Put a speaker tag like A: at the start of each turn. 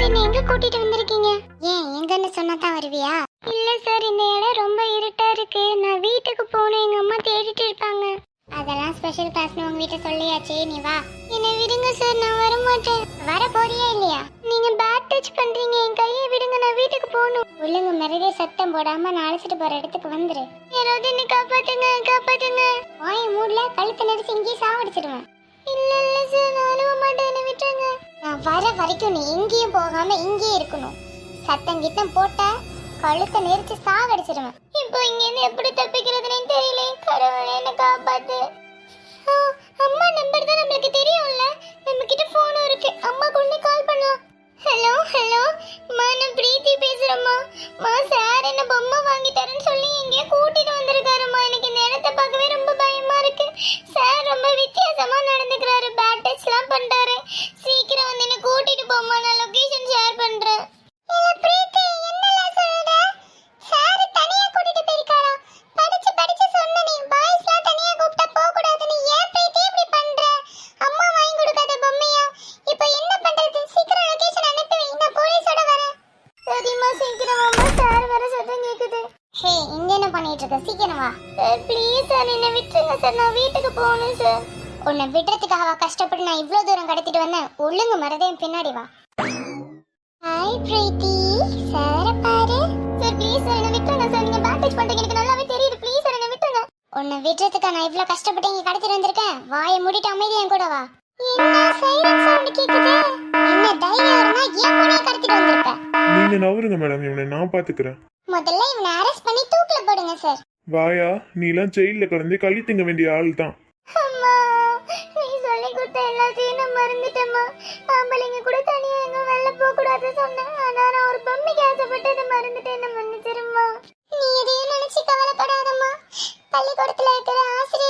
A: என்ன எங்க கூட்டிட்டு வந்திருக்கீங்க? ஏன் எங்கன்னு சொன்னா தான் வருவியா? இல்ல சார், இந்த இடம் ரொம்ப இருட்டா இருக்கு. நான் வீட்டுக்கு போகணும், எங்க அம்மா தேடிட்டு இருப்பாங்க. அதெல்லாம் ஸ்பெஷல் கிளாஸ்னு உங்க வீட்டை சொல்லியாச்சே, நீ வா. என்னை விடுங்க சார், நான் வர மாட்டேன். வர போறியா இல்லையா? நீங்க பேட் டச் பண்றீங்க, என் கையை விடுங்க, நான் வீட்டுக்கு போகணும். ஒழுங்கு மிரடி சத்தம் போடாம நான் அழைச்சிட்டு போற இடத்துக்கு வந்துரு. யாராவது என்ன காப்பாத்துங்க, காப்பாத்துங்க. வாய மூடல, கழுத்தை நெரிச்சு இங்கேயே சாவடிச்சிடுவேன். இல்ல இல்ல சார், நான் அழுவ மாட்டேன், என்ன விட்டுருங்க. நான் வர வரைக்கும் நீ எங்கேயும் போகாம இங்கேயே இருக்கணும். சத்தம் கித்தம் போட்ட கழுத்தை நெரிச்சு சாவடிச்சிடுவேன். இப்போ இங்க இருந்து எப்படி தப்பிக்கிறதுன்னு தெரியல. கடவுளே என்ன காப்பாத்து. அம்மா நம்பர் தான் நமக்கு தெரியும்ல, நம்ம கிட்ட போனும் இருக்கு. அம்மா கொண்டு கால் பண்ணலாம். ஹலோ ஹலோ மா, நான் பிரீத்தி பேசுறேம்மா. மா, சார் என்ன பொம்மை வாங்கி தரேன்னு சொல்லி எங்கேயோ கூட்டிட்டு வந்திருக்காருமா. எனக்கு இந்த இடத்த பார்க்கவே ரொம்ப பயமா இருக்கு. சார் ரொம்ப வித்தியாசமா நடந்துக்கிறாரு, பேட் டச்லாம் பண்றாரு. சீக்கிரம் வந்து என்ன கூட்டிட்டு போமா, நான் லொகேஷன் ஷேர் பண்றேன். பிரீத்தி, என்னலாம் சொல்ற? சார் தனியா கூட்டிட்டு போயிருக்காரா? படிச்சு படிச்சு சொன்ன நீ பாய்ஸ்லாம் தனியா கூப்பிட்டா போக கூடாதுன்னு ஏன் பிரீத்தி இப்படி பண்ற? அம்மா வாங்கி கொடுக்காத பொம்மையா? இப்போ என்ன பண்றது? சீக்கிரம் லொகேஷன் அனுப்பி வை, நான் போலீஸோட வரேன். சரிம்மா, சீக்கிரம் வாம்மா, சார் வர சத்தம் கேக்குது. ஹே, இங்க என்ன பண்ணிட்டு இருக்க? சீக்கிரம் வா. சார் ப்ளீஸ் சார், என்ன விட்டுருங்க சார், நான் வீட்டுக்கு போகணும் சார். உன்னை விடுறதுக்காக கஷ்டப்பட்டு நான் இவ்வளவு தூரம் கடத்திட்டு வந்தேன். ஒழுங்கு மறதேன், பின்னாடி வா. ஹாய் பிரீத்தி, சார பாரு. சார் ப்ளீஸ் சார், என்ன விட்டுருங்க சார், நீங்க பேட் டச் பண்றீங்க, எனக்கு நல்லாவே தெரியுது. ப்ளீஸ் சார், என்ன விட்டுருங்க. உன்னை விடுறதுக்கா நான் இவ்வளவு கஷ்டப்பட்டு இங்க கடத்திட்டு வந்திருக்கேன். வாயை மூடிட்டு அமைதியா என் கூட வா. என்ன சைரன் சவுண்ட் கேக்குது? என்ன தைரியம் இருந்தா ஏன் கூட கடத்திட்டு வந்திருப்ப?
B: நீங்க நவருங்க மேடம், இவனை நான் பாத்துக்கிறேன்.
A: முதல்ல இவனை அரெஸ்ட் பண்ணி தூக்குல போடுங்க சார்.
B: வாயா, நீலாம் ஜெயில கடந்து களி திங்க வேண்டிய ஆள் தான்.
A: அம்மா, நீ சொல்லி கொடுத்த எல்லாத்தையும் நான் மறந்துட்டேம்மா. ஆம்பளைங்க கூட தனியா எங்க வெளில போக கூடாது சொன்னேன். ஆனா நான் ஒரு பொம்மைக்கு ஆசைப்பட்டு அதை மறந்துட்டேன், என்ன மன்னிச்சிரும்மா. நீ எதையும் நினைச்சு கவலைப்படாதம்மா. பள்ளிக்கூடத்துல இருக்கிற ஆசிரியர்